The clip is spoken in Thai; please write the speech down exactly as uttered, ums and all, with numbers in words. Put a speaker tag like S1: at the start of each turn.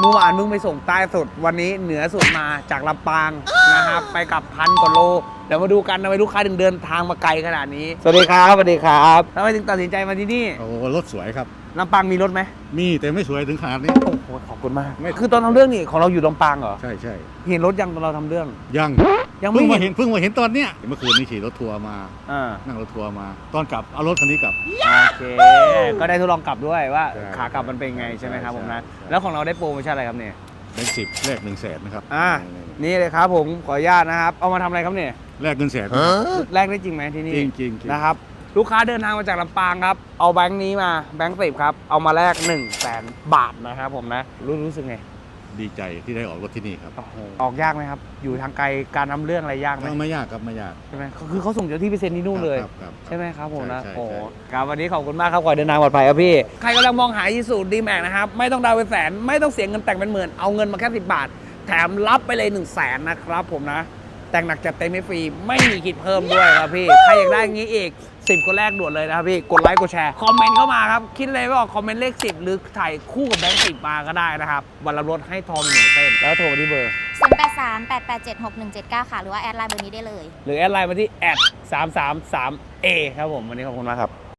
S1: เมื่อวานมึงไปส่งใต้สุดวันนี้เหนือสุดมาจากลำปางนะครับไปกับพันกว่าโลเดี๋ยวมาดูกันทำไมลูกค้าถึงเดินทางมาไกลขนาดนี้สวัสดีครับสวัสดีครับทำไมถึงตัดสินใจมาที่นี่
S2: โอ้รถสวยครับ
S1: ลำปางมีรถไหม
S2: มีแต่ไม่สวยถึงขนาดนี้
S1: โอ้โหขอบคุณมากคือตอนทำเรื่องนี่ของเราอยู่ลำปางเหรอ
S2: ใช่ใช่
S1: เห็นรถยังตอนเราทำเรื่อง
S2: ยัง
S1: ยังไม่
S2: เพิ่งมาเห็นเพิ่งมาเห็นตอนเนี้ยเมื่อคืนนี้ขี่รถทัวร์มา
S1: อ่า
S2: นั่งรถทัวร์มาตอนกลับเอารถคันนี้กลับ
S1: โอเคก็ได้ทดลองกลับด้วยว่าขากลับมันเป็นไงใช่ไหมครับผมนะแล้วของเราได้โปรโมชั่นอะไรครับเนี่ย
S2: เป็นสิบแลกหนึ่งแสนนะครับ
S1: อ่านี่เลยครับผมขออนุญาตนะครับเอามาทำอะไรครับเนี่ย
S2: แลกเงินแสน
S1: แลกได้จริงไหมที่นี่
S2: จริงจริง
S1: นะครับลูกค้าเดินทางมาจากลำปางครับเอาแบงค์นี้มาแบงค์สิบครับเอามาแลกหนึ่งแสนบาทนะครับผมนะรู้รู้สึกไง
S2: ดีใจที่ได้ออกรถที่นี่ครับ
S1: ออกยากไหมครับอยู่ทางไกลการทำเรื่องอะไรยากไหม
S2: ไม่ยากครับไม่ยาก
S1: ใช่ไหมคือเขาส่งเจ้าที่ไปเซ็นที่นู่นเลยใช่ไหมครับผมนะโอ้ค
S2: รั
S1: บวันนี้ขอบคุณมากครับขอเดินทางปลอดภัยครับพี่ใครกำลังมองหาอีซูดีแม็กนะครับไม่ต้องดาวเป็นแสนไม่ต้องเสียเงินแต่งเป็นหมื่นเอาเงินมาแค่สิบบาทแถมรับไปเลยหนึ่งแสนนะครับผมนะแต่งหนักจัดเต็มไม่ฟรีไม่มีคิดเพิ่มด้วยครับพี่ใครอยากได้อย่างนี้อีกสิบคนแรกด่วนเลยนะครับพี่กดไลค์กดแชร์คอมเมนต์เข้ามาครับคิดเลยว่าคอมเมนต์เลขสิบหรือถ่ายคู่กับแบงค์สิบมาก็ได้นะครับวันละรถให้ทองหนึ่งเส้นแล้วโทรมาที่เบอร์
S3: ศูนย์ แปด สาม แปด แปด เจ็ด หก หนึ่ง เจ็ด เก้าค่ะหรือว่าแอดไลน์เบอร์นี้ได้เลย
S1: หรือแอดไลน์มาที่แอดสามสามสามเอครับผมวันนี้ขอบคุณมากครับ